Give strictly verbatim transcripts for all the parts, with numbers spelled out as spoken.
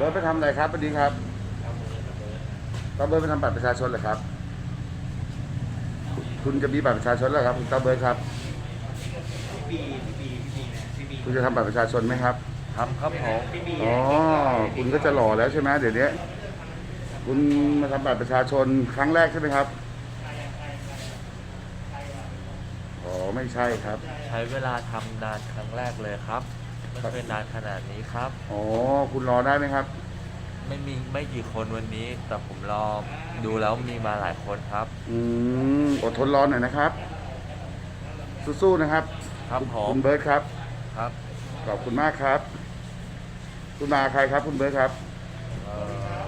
เบิร์ดไปทำอะไรครับสวัสดีครับตาเบิร์ดไปทำบัตรประชาชนเหรอครับคุณจะมีบัตรประชาชนแล้วครับคุณตาเบิร์ดครับพี่บีพี่บีพี่บีนะพี่บีคุณจะทำบัตรประชาชนไหมครับทำครับผมพี่บีอ๋อคุณก็จะหล่อแล้วใช่ไหมเดี๋ยวนี้คุณมาทำบัตรประชาชนครั้งแรกใช่ไหมครับอ๋อไม่ใช่ครับใช้เวลาทำนานครั้งแรกเลยครับไม่เคยนานขนาดนี้ครับอ๋อคุณรอได้ไหมครับไม่มีไม่กี่คนวันนี้ แต่ผมรอดูแล้วมีมาหลายคนครับอืมอดทนรอหน่อยนะครับสู้ๆนะครับครับผมคุณเบิร์ดครับครับขอบคุณมากครับคุณมาใครครับคุณเบิร์ดครับเอ่อ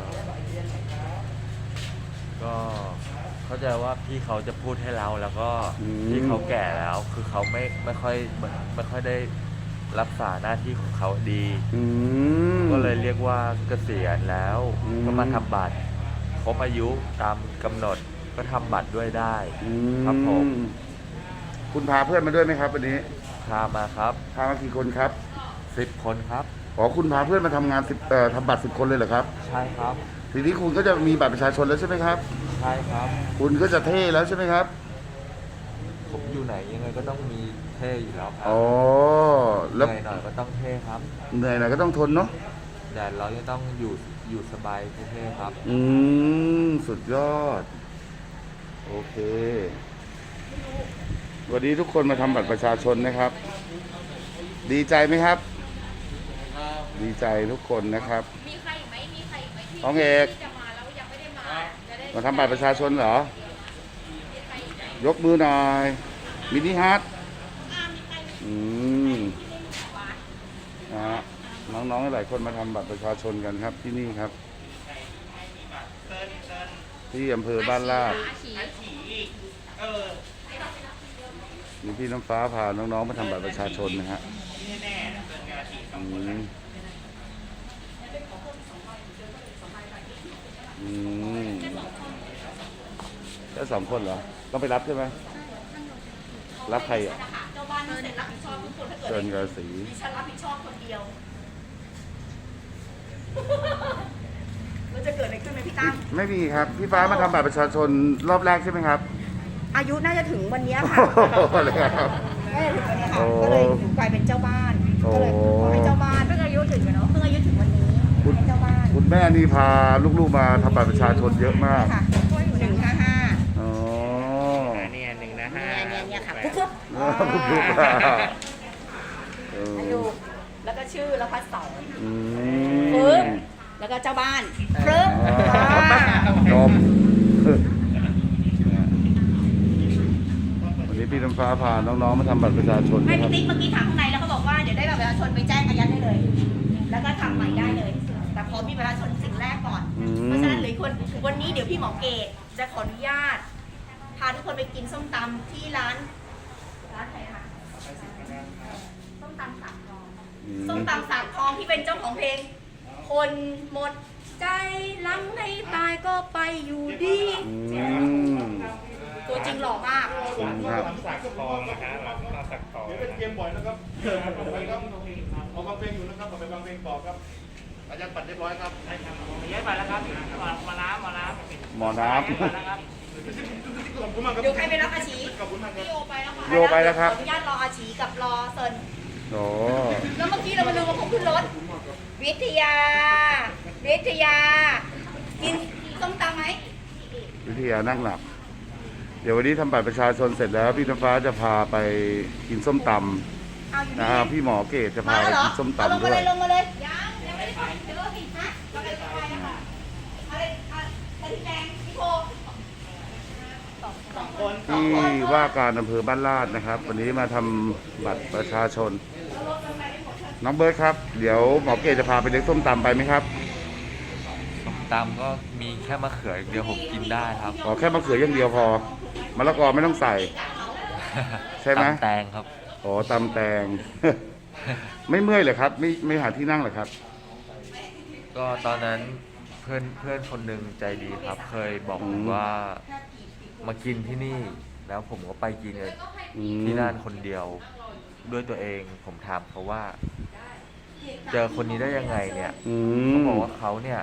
ก็เข้าใจว่าพี่เขาจะพูดให้เราแล้วก็พี่เขาแก่แล้ว คือเขาไม่ไม่ค่อยไม่ค่อยได้รักษาหน้าที่ของเขาดีก็เลยเรียกว่าเกษียณแล้วก็มาทำบัตรครบอายุตามกำหนดก็ทำบัตรด้วยได้ครับผมคุณพาเพื่อนมาด้วยไหมครับวันนี้พามาครับพามากี่คนครับสิบคนครับอ๋อคุณพาเพื่อนมาทำงานสิบเอ่อทำบัตรสิบคนเลยเหรอครับใช่ครับทีนี้คุณก็จะมีบัตรประชาชนแล้วใช่ไหมครับใช่ครับคุณก็จะเท่แล้วใช่ไหมครับผมอยู่ไหนยังไงก็ต้องมีเท่อยู่แล้วครับอ๋อเหนื่อยหน่อยก็ต้องเท่ครับเหนื่อยหน่อยก็ต้องทนเนาะแต่เราจะต้องอยู่อยู่สบายเท่ๆครับอืมสุดยอดโอเควันนี้ทุกคนมาทำบัตรประชาชนนะครับดีใจไหมครับดีใจทุกคนนะครับมีใครอีกไหมมีใครอีกไหมที่น้องเอกจะมาแล้วยังไม่ได้มาจะได้มาทำบัตรประชาชนเหรอยกมือหน่อยมินิฮาร์ทอืมนะน้องๆหลายคนมาทำบัตรประชาชนกันครับที่นี่ครับที่อำเภอบ้านลาดนี่พี่น้ำฟ้าพาน้องๆมาทำบัตรประชาชนนะฮะอืมอืมแค่สองคนเหรอต้องไปรับใช่ไหมรับใครอ่ะเจ้าบ้านเสร็จรับผิดชอบทุกคนถ้าเกิดเชิญกระสีดิฉันรับผิดชอบคนเดียวมันจะเกิดอะไรขึ้นไหมพี่ตั้มไม่มีครับพี่ฟ้ามาทำบัตรประชาชนรอบแรกใช่ไหมครับอายุน่าจะถึงวันนี้ค่ะเลยครับน่าจะถึงวันนี้ค่ะก็เลยถึงกลายเป็นเจ้าบ้านก็เลยขอให้เจ้าบ้านเพิ่งอายุถึงเนาะเพิ่งอายุถึงวันนี้ให้เจ้าบ้านคุณแม่นี่พาลูกๆมาทำบัตรประชาชนเยอะมากค่ะหนึ่งห้าห้าอ๋อเนี่ยหนึ่งนะฮะเนี่ยเนี่ยค่ะปุ๊บปุ๊บปุ๊บดูแล้วก็ชื่อแล้วพัดเสาปึ๊บแล้วก็เจ้าบ้านปึ๊บจบวันนี้พี่น้ำฟ้าพาน้องๆมาทำบัตรประชาชนไม่พี่ติ๊กเมื่อกี้ถามข้างในแล้วเขาบอกว่าเดี๋ยวได้บัตรประชาชนไปแจ้งอายัดได้เลย แล้วก็ทำใหม่ได้เลย แต่ขอมีประชาชนสิ่งแรกก่อนเพราะฉะนั้นเหลือคนวันนี้เดี๋ยวพี่หมอเกตจะขออนุญาตพาทุกคนไปกินส้มตำที่ร้านร้านไหนคะส้มตำสามทองส้มตำสามทองที่เป็นเจ้าของเพลงคนหมดใจหลังในตายก็ไปอยู่ดีตัวจริงหล่อมากครับสักทองนะฮะหลังมาสักทองเป็นเกมบ่อยนะครับเชิญครับไปครับเอาบางเพลงอยู่นะครับไปบางเพลงต่อครับอาจารย์ปัดเรียบร้อยครับใช่ครับเย้ไปแล้วครับมาน้ำมาน้ำหมอน้ำเดี๋ยวใครไปรับอาชีพี่โยไปแล้วค่ะโยไปแล้วครับขออนุญาตรออาชีกับรอเซินโอ้แล้วเมื่อกี้เรามาลืมว่าผมขึ้นรถวิทยาวิทยากินส้มตำไหมวิทยานั่งหลับเดี๋ยววันนี้ทำบัตรประชาชนเสร็จแล้วพี่น้ำฟ้าจะพาไปกินส้มตำนะครับพี่หมอเกตจะพาไปกินส้มตำด้วยลงมาเลยยังยังไม่ได้ไปเดี๋ยวผิดนะเราไปไปนะคะอะไรอะไรที่แดงพี่โทที่ว่าการอำเภอบ้านลาดนะครับวันนี้มาทำบัตรประชาชนน้องเบิร์ดครับเดี๋ยวหมอเกตจะพาไปเลี้ยงส้มตำไปไหมครับส้มตำก็มีแค่มะเขือเดียวผมกินได้ครับขอแค่มะเขืออย่างเดียวพอมะละกอไม่ต้องใส่ใช่ไหมตำแตงครับอ๋อตำแตงไม่เมื่อยเลยครับไม่ไม่หาที่นั่งเหรอครับก็ตอนนั้นเพื่อนเพื่อนคนหนึ่งใจดีครับ เคยบอกผมว่ามากินที่นี่แล้วผมก็ไปกินที่นั่นคนเดียวด้วยตัวเองผมถามเขาว่าเจอคนนี้ได้ยังไงเนี่ยอืเขามบอกว่าเขาเนี่ย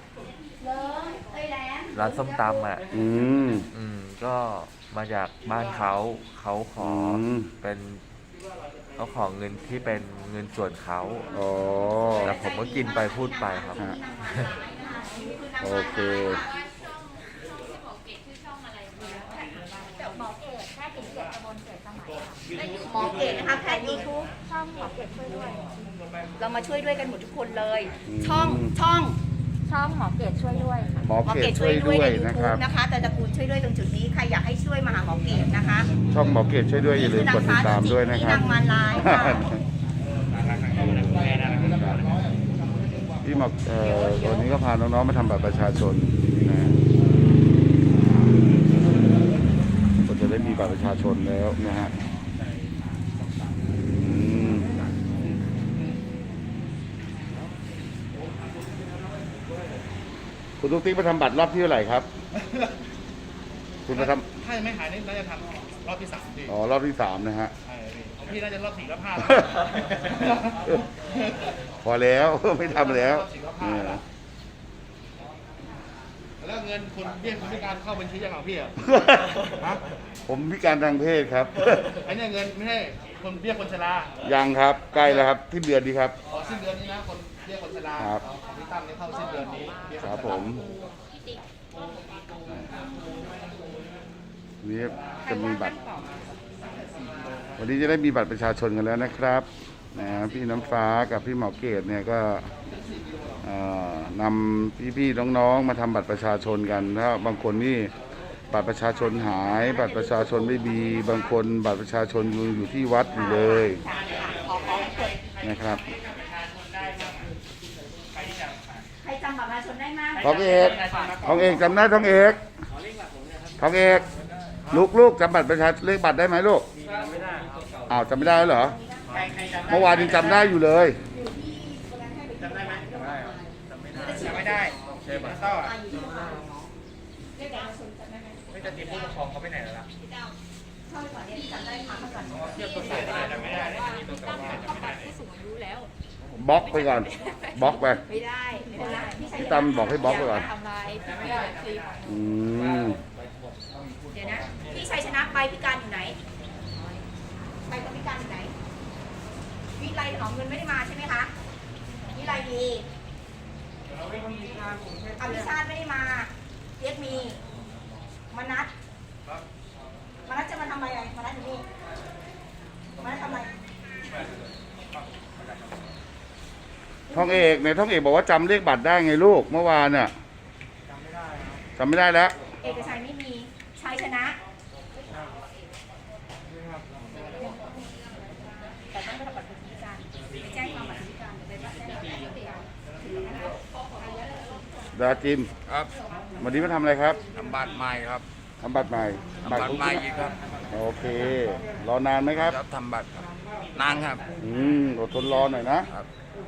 ร้านส้มตำอ่ะอืมอืมก็มาจากบ้านเขาเขาขออมเป็นเขาขอเงินที่เป็นเงินส่วนเขาอ๋อแต่ผมก็กินไปพูดไปครับฮะ โอเคหมอเกตแค่กินเกียรติกระบวนเกิดสมัยค่ะหมอเกตนะคะแพทย์ยูทูบช่องหมอเกตช่วยด้วยเรามาช่วยด้วยกันหมดทุกคนเลยอืมช่องช่องช่องหมอเกตช่วยด้วยค่ะหมอเขตช่วยด้วยในนะคยูรับทูบนะคะ แต่ตระกูลช่วยด้วยตรงจุดนี้ใครอยากให้ช่วยมาหาหมอเกตนะคะช่องหมอเกตช่วยด้วยอย่าลืมกดติดตามด้วยนะนี่ครับนางมารลายค่ะพี่หมอกเอ่อวันนี้ก็พาน้องๆมาทำบัตรประชาชนนี่นะก็จะได้มีบัตรประชาชนแล้วนะฮะอืมคุณตุ๊กติ๊กมาทำบัตรรอบที่เท่าไหร่ครับ คุณมาทถ้ายังไม่หายนี่น่าจะทำรอบที่สามพี่ำอ๋อรอบที่สามนะฮะใช่พี่ของพี่น่าจะรอบสี่รอบห้าพอแล้ว ไม่ทำแล้วรอบสี่รอบห้าแล้วแล้วเงินคุณเบี้ยคนพิการเข้าบัญชียังของพี่อ่ะ ฮะผมพิการทางเพศครับไอ้เนี่ยเงินไม่ใช่คนเบี้ยคนชรายังครับใกล้แล้วครับที่เดือนนี้ครับอ๋อสิ้นเดือนนี้นะคนเบี้ยคนชราครับของพี่ตั้มเนี่ยเข้าสิ้นเดือนนี้เบี้ยคคนรับชผรามนี่จะมีบัตร วันนี้จะได้มีบัตรประชาชนกันแล้วนะครับนะพี่น้ำฟ้ากับพี่หมอเกตเนี่ยก็เอ่อนำพี่ๆน้องๆมาทำบัตรประชาชนกันถ้าบางคนนี่บัตรประชาชนหาย บัตรประชาชนไม่มีบางคนบัตรประชาชนอยู่อยู่ที่วัดอยู่เลยนะครับใครจำบัตรประชาชนได้มากทองเอกทองเอกจำได้ทองเอกทองเอกลูกลูกจำบัตรประชาเลขบัตรได้ไหมลูกอ้าวจำไม่ได้แล้วเหรอใครใครจำได้เมื่อวานยังจำได้อยู่เลยจำได้ไหมจำได้ครับจำไม่ได้ใช่ป่ะต่อไม่จะติดผู้ปกครองเขาไปไหนแล้วล่ะเข้าไปก่อนเนี่ยจำได้ถามมาก่อนเทียบตัวใส่ไม่ได้จำไม่ได้เลยมีตัวใส่ไม่ได้จำไม่ได้เลยบล็อกไปก่อนบล็อกไปไม่ได้ไม่ได้พี่ชัยพี่ตั้มบอกให้บล็อกไปก่อนทำลายพี่ไม่ได้คลิปอืมเดี๋ยวนะ พี่ชัยชนะใบพิการอยู่ไหนใบคนพิการอยู่ไหน วิไลถนอมเงินไม่ได้มาใช่ไหมคะ วิไลมีอภิชาติไม่ได้มาเรียกมีมนัสมนัสจะมาทำอะไรมนัสอยู่นี่มนัสทำอะไรทองเอกเนี่ยทองเอกบอกว่าจำเลขบัตรได้ไงลูกเมื่อวานน่ะจำไม่ได้แล้วเอกชัยไม่มีชัยชนะแต่ต้องไปทำบัตรคนพิการไปแจ้งความบัตรคนพิการไปแจ้งความบัตรคนพิการดาจิมครับวันนี้มาทำอะไรครับทำบัตรใหม่ครับทำบัตรใหม่ทำบัตรใหม่อีกครับโอเค รอนานไหมครับแล้วทำบัตรครับนานครับอืมอดทนรอหน่อยนะครับ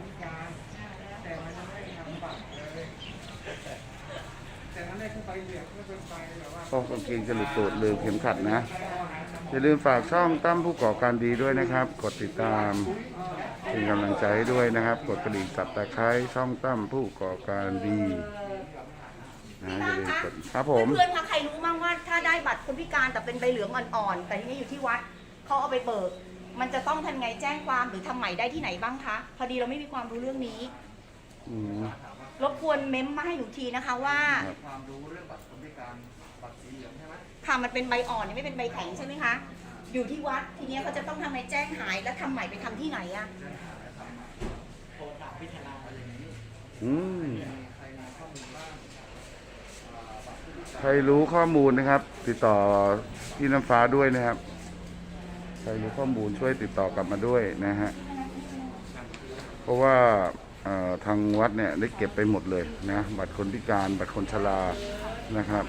ก็กางเกงจะหลุดตูดลืมเข็มขัดนะ อย่าลืมฝากช่องตั้มผู้ก่อการดีด้วยนะครับ กดติดตามเป็นกำลังใจให้ด้วยนะครับ กดกระดิ่งสับตะไคร้ช่องตั้มผู้ก่อการดีนะอย่าลืมกดครับผมเพื่อนๆคะใครรู้มั่งว่าถ้าได้บัตรคนพิการแต่เป็นใบเหลืองอ่อนๆแต่ทีนี้อยู่ที่วัดเขาเอาไปเบิก มันจะต้องทำไงแจ้งความหรือทำใหม่ได้ที่ไหนบ้างคะพอดีเราไม่มีความรู้เรื่องนี้อืมรบกวนเม้มมาให้หนูทีนะคะว่าครับความรู้เรื่องบัตรคนพิการบัตรสีเหลืองใช่ไหมค่ะมันเป็นใบอ่อนไม่เป็นใบแข็งใช่ไหมคะอยู่ที่วัดทีนี้เขาจะต้องทำไงแจ้งหายแล้วทำใหม่ไปทำที่ไหนอะอืมใครรู้ข้อมูลนะครับ ติดต่อพี่น้ำฟ้าด้วยนะครับ ใครรู้ข้อมูลช่วยติดต่อกลับมาด้วยนะฮะ เพราะว่าเอ่อทางวัดเนี่ยได้เก็บไปหมดเลยนะบัตรคนพิการบัตรคนชรานะครับ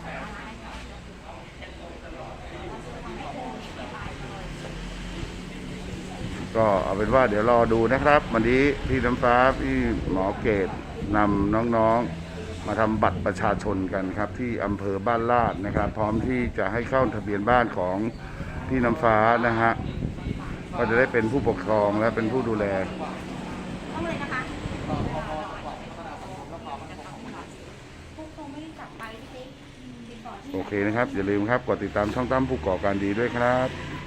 ก็เอาเป็นว่าเดี๋ยวรอดูนะครับ วันนี้พี่น้ำฟ้าพี่หมอเกตนำน้องๆมาทำบัตรประชาชนกันครับ ที่อำเภอบ้านลาดนะครับ พร้อมที่จะให้เข้าทะเบียนบ้านของพี่น้ำฟ้านะฮะก็จะได้เป็นผู้ปกครองและเป็นผู้ดูแลโอเคนะครับ อย่าลืมครับ กดติดตามช่องตั้มผู้ก่อการดีด้วยครับ